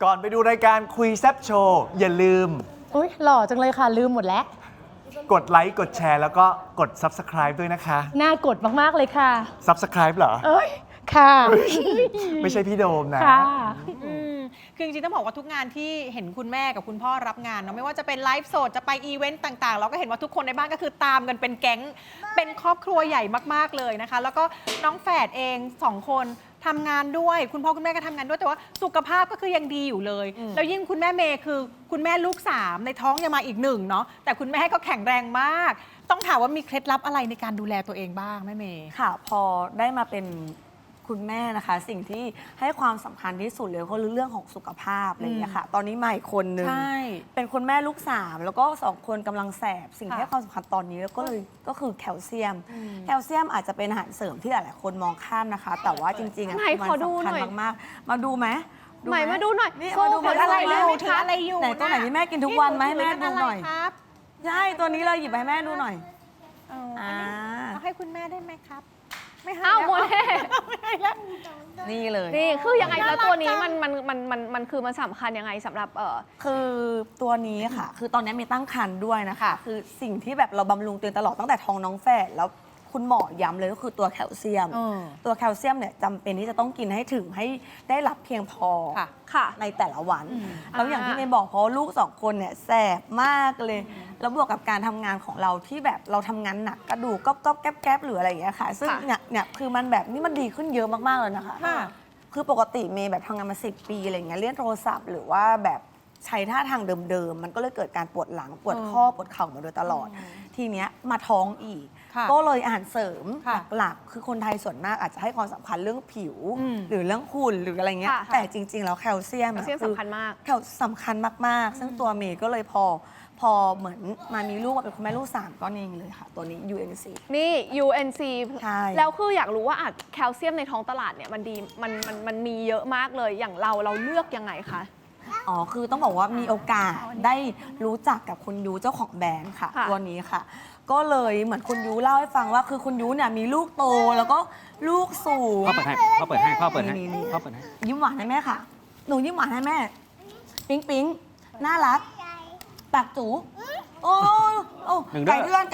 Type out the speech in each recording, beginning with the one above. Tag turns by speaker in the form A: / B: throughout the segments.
A: ก่อนไปดูรายการคุยแซบโชว์อย่าลืม
B: อุ้ยหล่อจังเลยค่ะลืมหมดแล้ว
A: กดไลค์กดแชร์แล้วก็กด Subscribe ด้วยนะคะ
B: น่ากดมากๆเลยค่ะ
A: Subscribe เหรอ
B: เอ้ยค่ะ
A: ไม่ใช่พี่โดมนะ
B: ค่ะ
C: คือจริงๆต้องบอกว่าทุกงานที่เห็นคุณแม่กับคุณพ่อรับงานเนาะไม่ว่าจะเป็นไลฟ์สดจะไปอีเวนต์ต่างๆเราก็เห็นว่าทุกคนในบ้านก็คือตามกันเป็นแก๊งเป็นครอบครัวใหญ่มากๆเลยนะคะแล้วก็น้องแฝดเอง2 คนทำงานด้วยคุณพ่อคุณแม่ก็ทำงานด้วยแต่ว่าสุขภาพก็คือยังดีอยู่เลยแล้วยิ่งคุณแม่เมย์คือคุณแม่ลูก3ในท้องยังมาอีก1เนาะแต่คุณแม่ก็แข็งแรงมากต้องถามว่ามีเคล็ดลับอะไรในการดูแลตัวเองบ้างแม่เมย์
D: ค่ะพอได้มาเป็นคุณแม่นะคะสิ่งที่ให้ความสำคัญที่สุดเลยก็คือเรื่องของสุขภาพอะไรอย่างเงี้ยค่ะตอนนี้ใหม่คนหนึ่งเป็นคุณแม่ลูก3แล้วก็2 คนกำลังแสบสิ่งที่ให้ความสำคัญตอนนี้แล้วก็คือแคลเซียมแคลเซียมอาจจะเป็นอาหารเสริมที่หลายๆคนมองข้ามนะคะ แต่ว่าจริงๆมันสำคัญมากๆมาดูไหม
B: ใหม่มาดูหน่อย
D: นี่
B: โซ่
D: มาดู
C: อะไร
D: ไหม
C: ถืออะไรอยู่
D: ไหนตัวไหนที่แม่กินทุกวันไหมให้แม่ดูหน่อย
C: ครับ
D: ใช่ตัวนี้เลยหยิบไปให้แม่ดูหน่อย
C: เอาให้คุณแม่ได้ไหมครับไม่ให้
B: อ้าวโมเน่
C: ไม่ให้แล้ว
D: นี่เลย
B: นี่คือยังไงแล้วตัวนี้มันคือมันสำคัญยังไงสำหรับ
D: คือตัวนี้ค่ะคือตอนนี้มีตั้งครรภ์ด้วยนะคะคือสิ่งที่แบบเราบำรุงตัวเองตลอดตั้งแต่ท้องน้องแฝดแล้วคุณหมอย้ำเลยก็คือตัวแคลเซียมตัวแคลเซียมเนี่ยจำเป็นที่จะต้องกินให้ถึงให้ได้รับเพียงพอ
B: ค่ะ
D: ในแต่ละวันแล้วอย่างที่เมย์บอกเพราะลูก2 คนเนี่ยแสบมากเลยแล้วบวกกับการทำงานของเราที่แบบเราทำงานหนักกระดูกก๊อบแก๊บหรืออะไรอย่างเงี้ยค่ะซึ่งเนี่ยคือมันแบบนี่มันดีขึ้นเยอะมากๆเลยนะคะคือปกติเมย์แบบทำงานมา10 ปีอะไรเงี้ยเล่นโทรศัพท์หรือว่าแบบใช้ท่าทางเดิมๆมันก็เลยเกิดการปวดหลังปวดข้อปวดเข่ามาโดยตลอดทีเนี้ยมาท้องอีกก็เลยอาหารเสริมหลักๆคือคนไทยส่วนมากอาจจะให้ความสำคัญเรื่องผิวหรือเรื่องหุ่นหรืออะไรเงี้ยแต่จริงๆแล้วแคลเซียม
B: สำคัญมาก
D: สำคัญมากๆซึ่งตัวเมย์ก็เลยพอเหมือนมามีลูกเป็นคุณแม่ลูก3ก็เองเลยค่ะตัวนี้ UNC
B: นี่ UNC
D: ใช่
B: แล้วคืออยากรู้ว่าแคลเซียมในท้องตลาดเนี่ยมันดีมันมีเยอะมากเลยอย่างเราเลือกยังไงคะ
D: อ๋อคือต้องบอกว่ามีโอกาสได้รู้จักกับคุณยูเจ้าของแบรนด์ค่ะตัวนี้ค่ะก็เลยเหมือนคุณยูเล่าให้ฟังว่าคือคุณยูเนี่ยมีลูกโตแล้วก็ลูกสูง
E: พ่อเปิดให้พ่อเปิดให้พ่อเปิดให้พ่อเปิดให้
D: ยิ้มหวานให้แม่ค่ะหนูยิ้มหวานให้แม่ปิ๊งน่ารักปากจูโอ้ไก่เตือน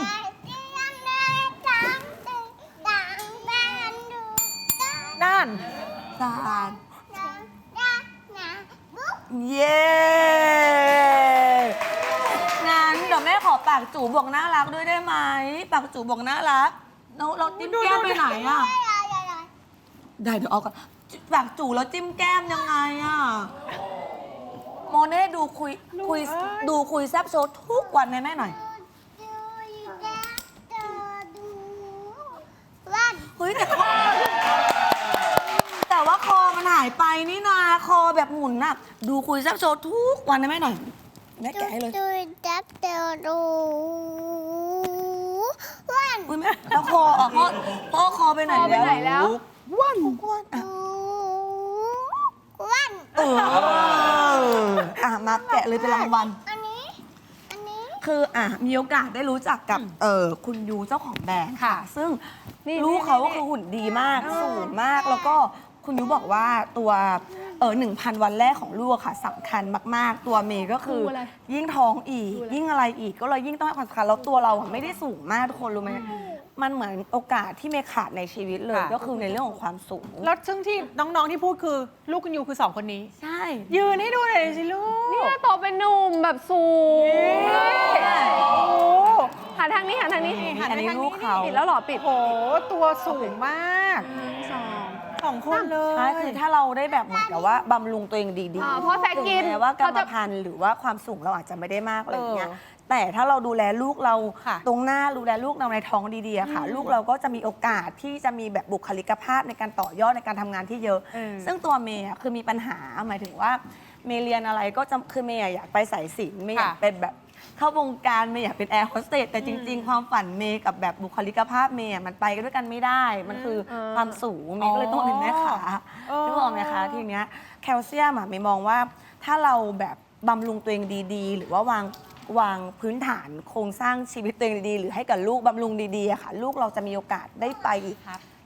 C: นั่น
D: สานเย้งั้นเดี๋ยวแม่ขอปากจูบอกน่ารักด้วยได้ไหมปากจูบอกน่ารักเราจิ้มแก้มไปไหนอ่ะได้เดี๋ยวเอากันปากจูแล้วจิ้มแก้มยังไงอ่ะโมเน่ดูคุยแซบโชว์ทุกวันแม่หน่อยเฮ้ยแต่ว่าคอมันหายไปนี่นาคอแบบหมุนน่ะดูคุยแซบโชว์ทุกวันแม่หน่อยแม่แกะให้เลย
F: ดูจับเตอดูวัน
D: แล้วคอพ่อคอไปไหนแล้ววันมาแกะเลยเป็นรางวัล
F: อันนี้
D: คือมีโอกาสได้รู้จักกับคุณยูเจ้าของแบรนด์ค่ะซึ่งลูกเขาก็คือหุ่นดีมากสูงมากแล้วก็คุณยูบอกว่าตัว1,000 วันแรกของลูกค่ะสำคัญมากๆตัวเมย์ก็คือยิ่งท้องอีกยิ่งอะไรอีกก็เลยยิ่งต้องให้ความสำคัญแล้วตัวเราไม่ได้สูงมากทุกคนรู้ไหมมันเหมือนโอกาสที่เมย์ขาดในชีวิตเลยก็คือในเรื่องของความสูง
C: แล้วซึ่งที่น้องๆที่พูดคือลูกคุณยูคือ2 คนนี้
D: ใช่
C: ยืนให้ดูหน่อยสิลูก
B: นี่โตเป็นหนุ่มแบบสูงหันทางนี้
D: อันนี้ลูกเขา
B: ปิดแล้วหรอปิด
C: โอ้ตัวสูงมาก2 คนเลย
D: ใช่คือถ้าเราได้แบบเหมือนกับว่าบำรุงตัวเองดีๆ
B: เพราะแฟกิน
D: แม้ว่ากรรมพันธุ์หรือว่าความสูงเราอาจจะไม่ได้มากอะไรอย่างเงี้ยแต่ถ้าเราดูแลลูกเราตรงหน้าดูแลลูกเราในท้องดีๆค่ะลูกเราก็จะมีโอกาสที่จะมีแบบบุคลิกภาพในการต่อยอดในการทำงานที่เยอะซึ่งตัวเมย์คือมีปัญหาหมายถึงว่าเมย์เรียนอะไรก็จะคือเมย์อยากไปสายศิลป์เมย์อยากเป็นแบบเข้าวงการเมย์อยากเป็นแอร์โฮสเตสแต่จริงๆความฝันเมย์กับแบบบุคลิกภาพเมย์มันไปกันด้วยกันไม่ได้มันคือความสูงเมย์ก็เลยต้องเป็นแม่ขานึกออกไหมคะทีเนี้ยแคลเซียมเมย์มองว่าถ้าเราแบบบำรุงตัวเองดีๆหรือว่าวางพื้นฐานโครงสร้างชีวิตตัวเองดีๆหรือให้กับลูกบำรุงดีๆค่ะลูกเราจะมีโอกาสได้ไป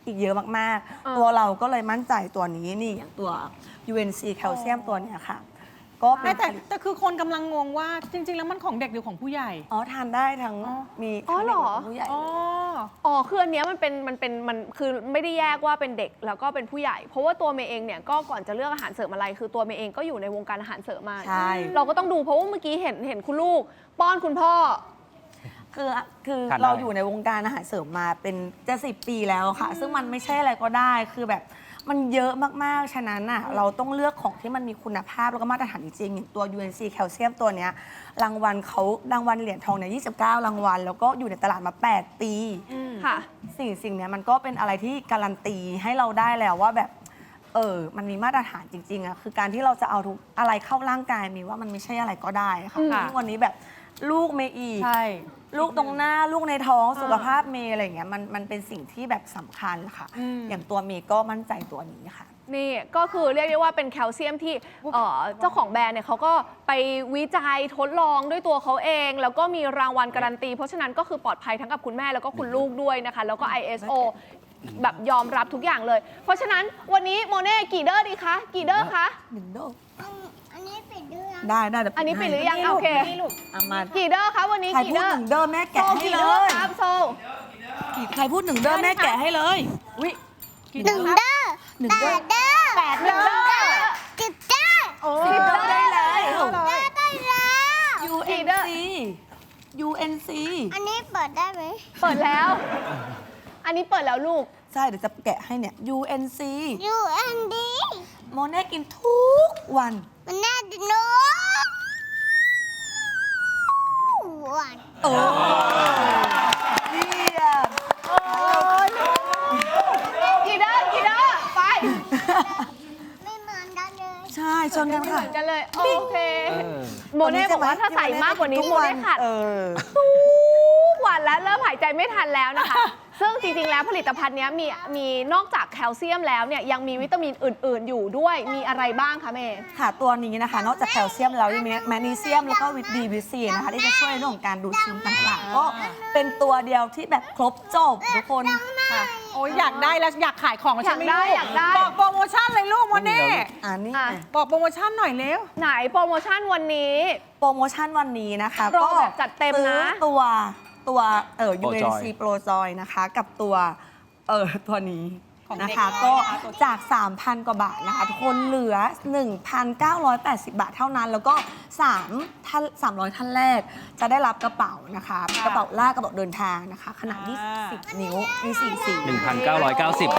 D: อีกเยอะมากๆ ตัวเราก็เลยมั่นใจตัวนี้นี่อย่างตัว UNC แคลเซียมตัวเนี้ยค่ะ ก็เป็น
C: แต่คือคนกำลังงงว่าจริง ๆ แล้วมันของเด็กหรือของผู้ใหญ่
D: อ๋อทานได้ทั้งมี
B: อ๋อ
D: ทั้ง
B: เหร
D: เด็ก
B: อ
D: และผู้ใหญ่
C: อ๋อ
B: อ๋อคืออันเนี้ยมันคือไม่ได้แยกว่าเป็นเด็กแล้วก็เป็นผู้ใหญ่ เพราะว่าตัวเมย์เองเนี่ยก็ก่อนจะเลือกอาหารเสริมอะไร คือตัวเมย์เองก็อยู่ในวงการอาหารเสริมมา
D: ใช่
B: เราก็ต้องดูเพราะว่าเมื่อกี้เห็นคุณลูก ป้อนคุณพ่อ
D: คือ
E: ทานได้
D: เราอยู่ในวงการอาหารเสริมมาเป็นจะ10 ปีแล้วค่ะ ซึ่งมันไม่ใช่อะไรก็ได้คือแบบมันเยอะมากๆ ฉะนั้นน่ะเราต้องเลือกของที่มันมีคุณภาพแล้วก็มาตรฐานจริงๆอย่างตัว UNC แคลเซียมตัวเนี้ยรางวัลเหรียญทองเนี่ย29 รางวัล แล้วก็อยู่ในตลาดมา 8 ปี
B: ค่ะ
D: สิ่งเนี้ยมันก็เป็นอะไรที่การันตีให้เราได้แล้วว่าแบบมันมีมาตรฐานจริงๆอะคือการที่เราจะเอาทุกอะไรเข้าร่างกายมีว่ามันไม่ใช่อะไรก็ได้ค่ะ
B: ค่ะ
D: ซึ่งวันนี้แบบลูกเมย์อีก
C: ใช่
D: ลูกตรงหน้าลูกในท้องสุขภาพเมย์อะไรอย่างเงี้ยมันเป็นสิ่งที่แบบสำคัญค่ะ อย่างตัวเมย์ก็มั่นใจตัวนี้ค่ะ
B: นี่ก็คือเรียกได้ว่าเป็นแคลเซียมที่เจ้าของแบรนด์เนี่ยเขาก็ไปวิจัยทดลองด้วยตัวเขาเอง แล้วก็มีรางวัลการันตี เพราะฉะนั้นก็คือปลอดภัยทั้งกับคุณแม่แล้วก็คุณลูกด้วยนะคะ แล้วก็ ISO แบบยอมรับทุกอย่างเลย เพราะฉะนั้นวันนี้โมเน่กี่เดอร์ดีคะกี่เดอร์คะ
D: 1 โดส
F: อันนี้ปิดด้วย
D: ได้เดี๋ยว
B: อันนี้
D: ให้
B: ปิดหรือยังโอเค
D: เอามา
B: กี่เดอร์คะวันนี้
D: ใคร
B: กี่
D: พูด
B: เดอร์
D: 1 เดอร์แม่
B: โซ
D: แกะให้
B: กี่
D: เล
B: เดอร์
D: ย
B: ครับโซ
D: ใครพูด1 เดอร์แม่แกะให้เลยวิ
F: หนึ่งเด้อ
D: 1 เดอร์
F: เด้อ
B: 8เดอร์
F: จิบเด้อ
D: 10 เดอร์ได้แล้ว
F: ได้แล้ว
D: UNC
F: อันนี้เปิดได้ไหม
B: เปิดแล้ว อันนี้เปิดแล้วลูก
D: ใช่เดี๋ยวจะแกะให้เนี่ย UNC
F: UND
D: โมเน่กินทุกวัน
F: มันน่าจะโน้หวาน
D: เยี่ยม
B: กี่เดอร์กี่เดอร์ไป
F: ไม่เหมือนกันเลย
D: ใช่ชนกัน
B: เห
D: ค่ะ
B: มือนกันเลยโอเค
E: เออ
B: โมเน่บอกว่าถ้าใส่มากกว่านี้โมเน่ขาด ทุกวันแล้วเริ่มหายใจไม่ทันแล้วนะคะ ซึ่งจริงๆ แล้วผลิตภัณฑ์เนี้ยมีนอกจากแคลเซียมแล้วเนี่ยยังมีวิตามินอื่นๆ อยู่ด้วยมีอะไรบ้างคะเมย์
D: ค่ะตัวนี้นะคะ นอกจากแคลเซียมแล้วยังมีแมกนีเซียมแล้วก็วิตดีวิตซีนะคะที่จะช่วยในเรื่องของการดูดซึมต่างๆ ก็เป็นตัวเดียวที่แบบครบจบทุกคน
C: ค่ะโอ้ยอยากได้แล้วอยากขายของแล้วใช่ไหม
B: อยากได้
C: บอกโปรโมชั่นเลยลูกโมเน่
D: อันนี้
B: อ่ะ
C: บอกโปรโมชั่นหน่อยเร็ว
B: ไหนโปรโมชั่นวันนี้
D: โปรโมชั่นวันนี้นะคะ
B: โปร
D: ก็
B: แบบจัดเต็มนะ
D: ซื้อตัว
E: Pro Joy
D: UNC Pro Joy นะคะกับตัวตัวนี้
C: ของ
D: นะ
C: เด็ก
D: คะ
C: น้อย
D: ก็
C: นะคะตัว
D: จาก 3,000 กว่าบาทนะคะทุกคนเหลือ 1,980 บาทเท่านั้น แล้วก็300 ท่านแรกจะได้รับกระเป๋านะคะ กระเป๋าลากกระเป๋าเดินทางนะคะ ขนาด 20 นิ้วมี4สี
E: 1,990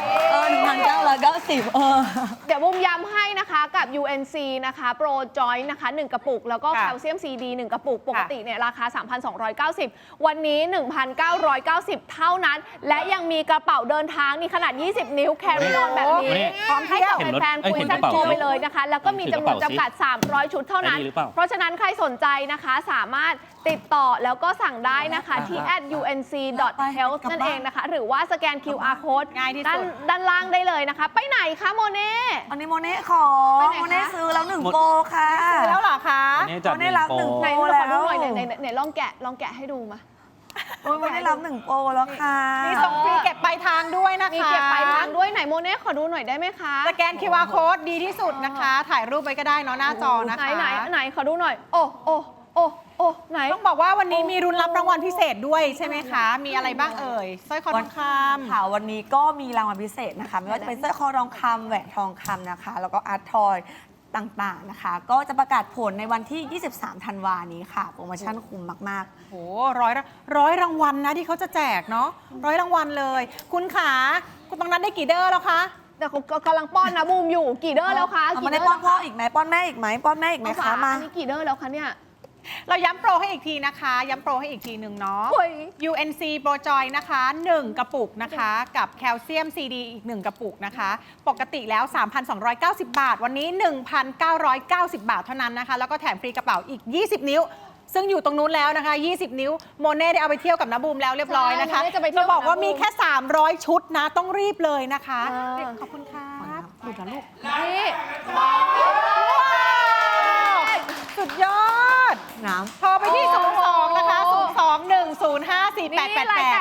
D: 1,990
B: เดี๋ยวบุมย้ำให้นะคะกับ UNC นะคะโปรจอยนะคะ 1 กระปุก แล้วก็
C: ค่ะ
B: แคลเซียม CD 1 กระปุก ปกติเนี่ยราคา 3,290 วันนี้ 1,990 เท่านั้น และยังมีกระเป๋าเดินทางนี่ขนาด 20 นิ้วแคริออนแบบนี้
E: นี่
B: พร้อมให้กับ
E: เห็นรถ
B: แฟนๆ
E: เอ้ย
B: คุย
E: เห็น
B: สั้
E: ก
B: น
E: ระเป๋า
B: โทรไปเลยนะคะ แล้วก็มีจำนวนจำกัด 300 ชุดเท่านั้น
E: อันนี้หรือเปล่า
B: เพราะฉะนั้นใครสนใจนะคะสามารถติดต่อแล้วก็สั่งได้นะคะที่ @unc.health นั่นเองนะคะ หรือว่าสแกน QR code
C: ง่ายที่สุด
B: ด้านล่างได้เลยนะคะ ไปไหนคะโมเน่
D: อันนี้โมเน่ขอ
B: ไปไหนคะ
D: โมเน่ซื้อแล้ว1 โปรค่ะ
C: ซื้อแล้วเหรอคะ
E: อันนี้จัด
D: ได้รับ
E: 1 โปร
D: 1
B: ไหน
D: โอ้
B: เราขอดู
D: แล้ว
B: หน่อยไหนลองแกะให้ดูมา
D: โอ้ยโมเน่รับ1 โปรแล้วค่ะ
C: มีส่งฟรีเก็บปลายทางด้วยนะคะ
B: มีเก็บปลายทางด้วยไหนโมเน่ขอดูหน่อยได้ไหมคะ
C: สแกน QR code ดีที่สุดนะคะ ถ่ายรูปไว้ก็ได้เนาะหน้าจอนะคะ
B: ไหนขอดูหน่อย โอ้ไหน
C: ต้องบอกว่าวันนี้มีรุนรับรางวัลพิเศษด้วยใช่ไหมคะ มีอะไรบ้างเอ่ยสร้อยคอทองคำ
D: ค่ะวันนี้ก็มีรางวัลพิเศษนะคะไม่ว่าจะเป็นสร้อยคอทองคำแหวนทองคำนะคะ แล้วก็อาร์ตทอยต่างๆนะคะ ก็จะประกาศผลในวันที่ 23 ธันวานี้ค่ะ โปรโมชั่นคุ้มมาก
C: โอ้โหร้อยรางวัลนะที่เขาจะแจกเนาะ100 รางวัลเลย คุณขาคุณตรงนั้นได้กี่เดอร์แล้วคะ
B: แต่เขากำลังป้อนนะบูมอยู่กี่เดอร์แล้วคะ
D: เอามาได้ป้อนพ่ออีกไหมป้อนแม่อีกไหมป้อนแม่อีกไหมคะมา
B: อันนี้กี่เดอร์แล้วคะเนี่ย
C: เราย้ำโปรให้อีกทีนะคะ ย้ำโปรให้อีกทีหนึ่งเนาะ
B: โอ้ย
C: UNC Pro Joy นะคะ 1 กระปุกนะคะ กับแคลเซียม CD อีก 1 กระปุกนะคะ ปกติแล้ว 3,290 บาท วันนี้ 1,990 บาทเท่านั้นนะคะ แล้วก็แถมฟรีกระเป๋าอีก 20 นิ้ว ซึ่งอยู่ตรงนู้นแล้วนะคะ 20 นิ้ว โมเน่ได้เอาไปเที่ยวกับน้าบูมแล้วเรียบร้อยนะคะ
B: ใช่โมเน่จะไปเที่ยว
C: บอกว่า
B: กับน้าบูม
C: มีแค่ 300 ชุดนะ ต้องรีบเลยนะคะ
B: อ่า
C: ขอบคุณครับดูนะลูก
B: นี่
C: สุดยอด
D: น้
C: โทรไปที่ 02 นะคะ 02-105-4888
B: นี่รายแต่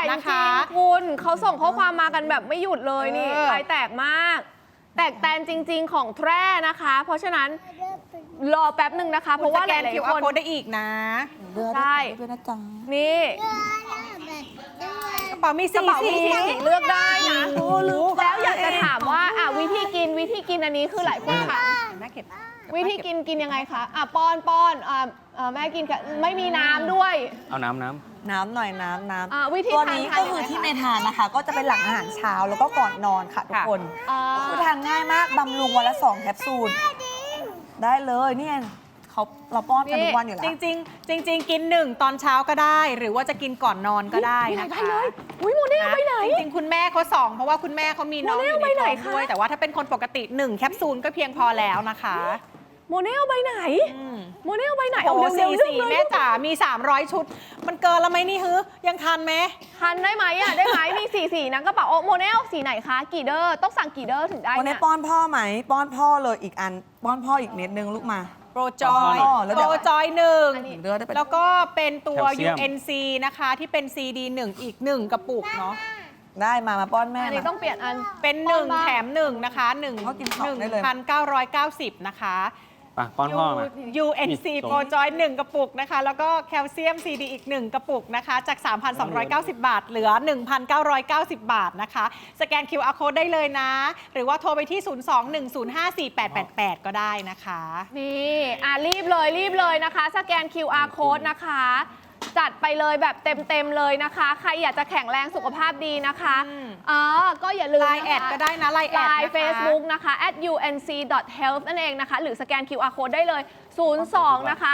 C: นะคะ
B: จริงๆคุณเขาส่งข้อความมากันแบบไม่หยุดเลยนี่
C: เออ
B: ลายแตกมาก แตกแตนจริง ๆ ของแทร่นะคะ เพราะฉะนั้นรอแป๊บหนึ่งนะคะ เพราะว่าห
C: สแกน
B: ลาย
C: QR
B: ๆคน
C: code ได้อีกนะ
B: ใช่
D: ด้วยนะจ๊ะ
B: นี่
C: กระเป๋ามี
B: กระเป๋ามีสีเลือกได้นะ
C: โอ้ลืม
B: แล้วอยากจะถามว่าวิธีกินอันนี้คือหลายคนถาม
C: แม่เก็บ
B: วิธีกินยังไงคะป้อนแม่กินกับไม่มีน้ำด้วย
E: เอาน้ำ
D: น้ำหน่อยน้ำ
B: วิธี
D: ตัว
B: ทาน
D: นี้
B: ทาน
D: ก็คือที่เมย์ทานนะคะ ก็จะเป็นหลังอาหารเช้าแล้วก็ก่อนนอนค่ะทุกคน
B: อ่า
D: คือทานง่ายมากบำรุงวันละ2แคปซูลได้เลยเนี่ยเราป้อนกันทุกวันอยู่แล้ว
C: จริง ๆ กิน 1 ตอนเช้าก็ได้ หรือว่าจะกินก่อนนอนก็ได้
B: มีหลา
C: นะ
B: ยใบ
C: คะ
B: เลยอุ้ยโมเน่เอาไปไหน
C: จริง ๆ คุณแม่เขา2เพราะว่าคุณแม่เขามีน้องอยู่ใน
B: โมเน่เอาไปไหน
C: ท้อง
B: คะ
C: ด้วย แต่ว่าถ้าเป็นคนปกติ 1 แคปซูลก็เพียงพอแล้วนะคะ
B: โมเน่เอาไปไหน โมเน่เอาไปไหน
C: โอ้โห
B: เร็วๆ
C: สี่
B: เร็วๆ
C: แม่จ๋ามี 300 ชุด มันเกินแล้วไหมนี่ฮึยังทันไหม
B: ทันได้ไหมได้ไหมมีสีนะกระเป๋าโมเน่เอาสีไหนคะกี่เดอร์ต้องสั่งกี่เดอร์ถึงได้
D: วันนี้
B: เนี่ย
D: ป้อนพ่อไหมป้อนพ่อเลยอีกอันป้อนพ่ออีกเม็ดนึงลูกมา
C: โปรจอย
D: อ๋อแล้ว
C: โป
D: เดี๋
C: ร
D: ยว
C: จอย
B: อันนี้
D: เลือดได้เป็น
C: แล้วก็เป็นตัว
E: แคลเซียม
C: UNC นะคะที่เป็น CD 1 อีก 1 กระปุกเนาะ
D: ได้มาป้อนแม่
B: อันนี้
D: มา
B: ต้องเปลี่ยนอัน
C: เป็น
B: ป้อนบ้าง
C: 1 แถม 1 นะคะ
D: เขากินของได้เลย
C: 1,990 นะคะ
E: ไปป้อนพ่อมา
C: UNC
E: มีส่ง
C: โปรจอย 1 กระปุกนะคะ แล้วก็แคลเซียม CD อีก 1 กระปุกนะคะ จาก 3,290 บาท เหลือ 1,990 บาทนะคะ สแกน QR code ได้เลยนะ หรือว่าโทรไปที่ 02-105-4888 ก็ได้นะคะ
B: นี่รีบเลยนะคะ สแกน QR code นะคะ จัดไปเลยแบบเต็มเลยนะคะ ใครอยากจะแข็งแรงสุขภาพดีนะคะก็อย่าลืม
C: ไลน์แอดก็ได้นะไลน์แอด
B: ไล
C: นะคะ
B: น์ Facebook นะคะ @unc.health นั่นเองนะคะ หรือสแกน QR code ได้เลย 02 นะคะ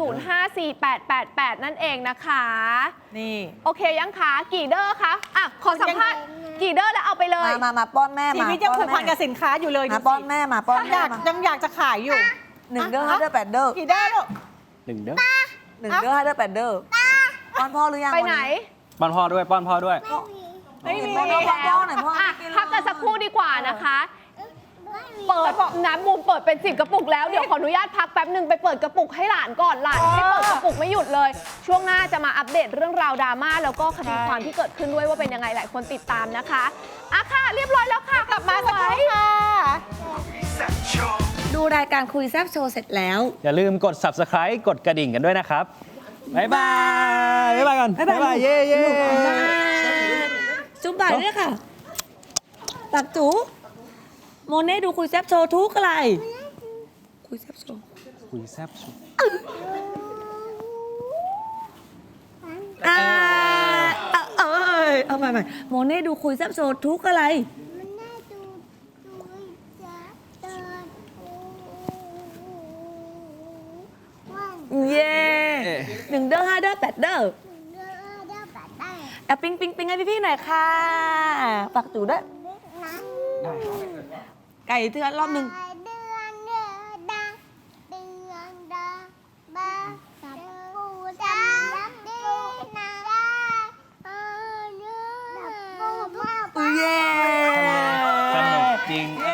B: 1054888 นั่นเองนะคะ
C: นี่
B: โอเคยังคะกี่เดอร์คะขอสัมภาษณ์กี่เดอร์แล้วเอาไปเลย
D: มาป้อนแม่
C: ชี
D: มา
C: วิตยังผูกพันกับสินค้าอยู่เลย
D: มา
C: ดู
D: ป้อน
C: สิ
D: แม่มาป้อน
C: อ
D: แม่
C: ยาก
D: มา
C: ยังอยากจะขายอยู่
D: 1 เด้อ5 เด้อ8 เด้อ
C: กี่ได้ลูก
E: 1 เด้อ
D: 1 เด้อ5 เด้อ8 เด้อป้อนพ่อหรือยัง
B: ไปไหน
E: ป้อนพ่อด้วย ป้อนพ่อด้วย
C: ไม่มี
D: ป้อนพ่อป้อนหน่อยพ่อ
B: พักกันสักครู่ดีกว่านะคะ เปิดน้ำบูมเปิดเป็น10 กระปุกแล้ว เดี๋ยวขออนุญาตพักแป๊บหนึ่งไปเปิดกระปุกให้หลานก่อนหลานให้เปิดกระปุกไม่หยุดเลย ช่วงหน้าจะมาอัปเดตเรื่องราวดราม่าแล้วก็คดีความที่เกิดขึ้นด้วยว่าเป็นยังไงหลายคนติดตามนะคะค่ะเรียบร้อยแล้วค่ะ
C: กลับมาสักครู่ค่ะ
D: ดูรายการคุยแซ่บโชว์เสร็จแล้ว
E: อย่าลืมกด subscribe กดกระดิ่งกันด้วยนะครับ บ๊ายบาย บ๊ายบายก่อน บ๊ายบาย เย้เย้
D: จุ๊บบ่ายด้วยค่ะตักจูโมเน่ดูคุยแซ่บโชว์ทุกอะไร คุยแซ่บโชว์
E: คุยแซ่บสุด
D: เอาใหม่โมเน่ดูคุยแซ่บโชว์ทุกอะไร
F: มันน่าดูจับเดินวัน
D: เย่1 เด้อ5 เด้อ8 เด้อ
F: เดือนเดือนปัดได้
D: ปิ๊งให้พี่ๆหน่อยค่ะฝากจูด้วย
F: นั้น
D: ไก่เทือนรอบหนึ่ง
F: เดือนเดือนดาเดือนดาบาจับปูจับดีนาเดือนปู
D: เย่
E: สนุกจริง